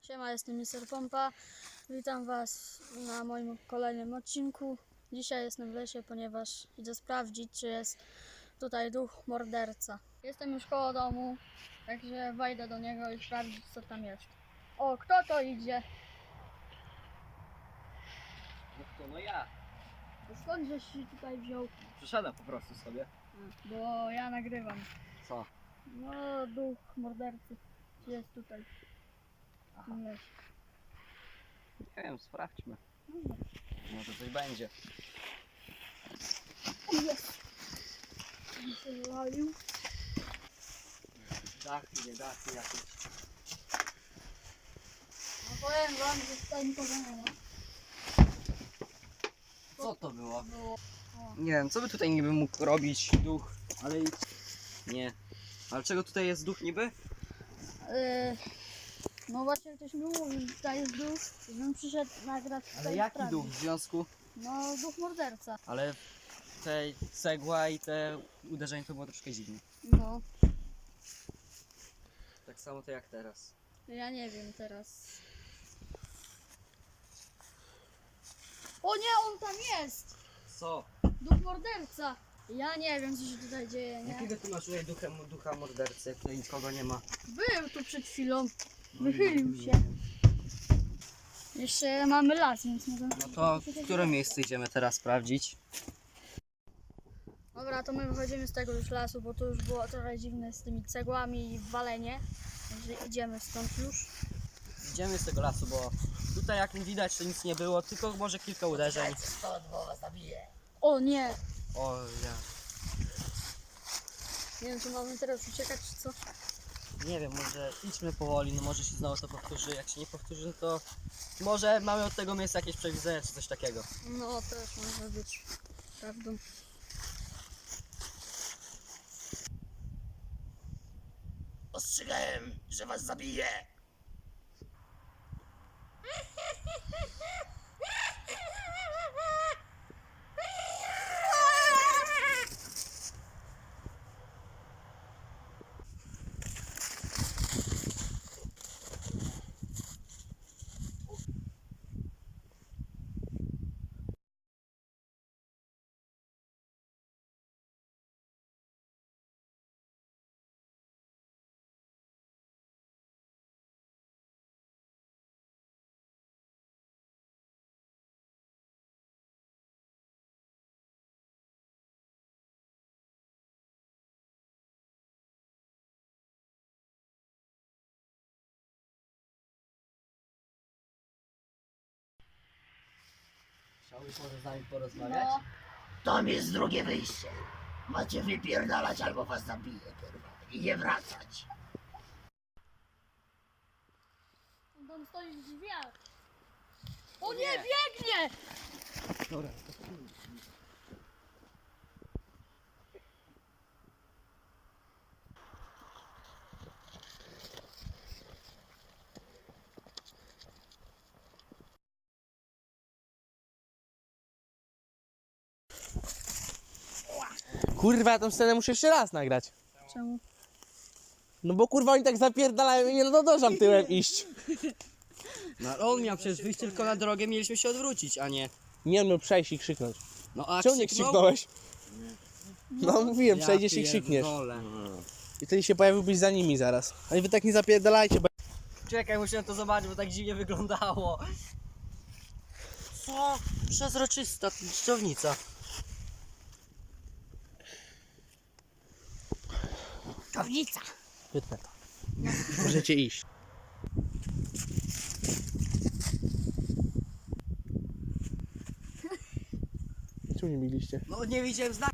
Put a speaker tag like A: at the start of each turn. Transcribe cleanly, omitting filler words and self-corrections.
A: Siema, jestem Mr. Pompa. Witam Was na moim kolejnym odcinku. Dzisiaj jestem w lesie, ponieważ idę sprawdzić, czy jest tutaj duch morderca. Jestem już koło domu, także wejdę do niego i sprawdzić, co tam jest. O, kto to idzie?
B: No kto? No ja.
A: To skąd żeś się tutaj wziął?
B: Przyszedłem po prostu sobie.
A: Bo ja nagrywam.
B: Co?
A: No, duch mordercy jest tutaj. W tym lesie.
B: Nie wiem, sprawdźmy.
A: No,
B: Może coś będzie.
A: jest. Się wywalił.
B: Dachy, nie dachy jakieś.
A: No powiem wam, że tutaj nikogo nie ma.
B: Co to było?
A: Było.
B: Nie wiem, co by tutaj niby mógł robić duch, ale i... Nie. Ale czego tutaj jest duch niby?
A: No właśnie ktoś mi mówił, że tutaj jest duch, żebym przyszedł nagrać tutaj.
B: Ale jaki
A: sprawdzić.
B: duch w związku?
A: No duch morderca.
B: Ale te cegła i te uderzenie to było troszkę dziwne.
A: No,
B: Tak samo to jak teraz.
A: ja nie wiem teraz. O nie, on tam jest!
B: Co?
A: Duch morderca! Ja nie wiem, co się tutaj dzieje, nie?
B: Jakiego tu masz tutaj ducha mordercy, jak tutaj nikogo nie ma?
A: Był tu przed chwilą.
B: No
A: Wychylił się. Jeszcze mamy las, więc nie wiem.
B: No to w które miejsce idziemy teraz sprawdzić?
A: Dobra, to my wychodzimy z tego już lasu, bo to już było trochę dziwne z tymi cegłami i walenie. Także idziemy stąd już.
B: Idziemy z tego lasu, bo tutaj jak widać to nic nie było, tylko może kilka uderzeń.
A: O nie!
B: O ja.
A: Nie wiem, czy mamy teraz uciekać, czy co?
B: Nie wiem, może idźmy powoli, no może się znowu to powtórzy. Jak się nie powtórzy, no to może mamy od tego miejsca jakieś przewidzenia czy coś takiego.
A: No, też może być prawdą.
C: Ostrzegałem, że was zabiję!
B: Chciałbyś może z nami porozmawiać?
A: No,
C: Tam jest drugie wyjście. Macie wypierdalać albo was zabiję, kurwa. I nie wracać.
A: on tam stoi w drzwiach. O nie, biegnie!
B: Dobra.
D: Kurwa, ja tą scenę muszę jeszcze raz nagrać.
A: Czemu?
D: No bo kurwa oni tak zapierdalają i nie nadążam tyłem iść.
B: No ale on miał przecież wyjść tylko na drogę, mieliśmy się odwrócić, a nie.
D: Nie no, przejść i krzyknąć.
B: No a
D: Czemu nie krzyknąłeś? No mówiłem, przejdziesz i krzykniesz. I wtedy się pojawiłbyś za nimi zaraz. Ale wy tak nie zapierdalajcie, bo...
B: Czekaj, musiałem to zobaczyć, bo tak dziwnie wyglądało. Co? Przezroczysta dżdżownica.
A: Kownica!
D: Wytnę to. Możecie iść. Czemu nie mieliście?
B: No nie widziałem znaku.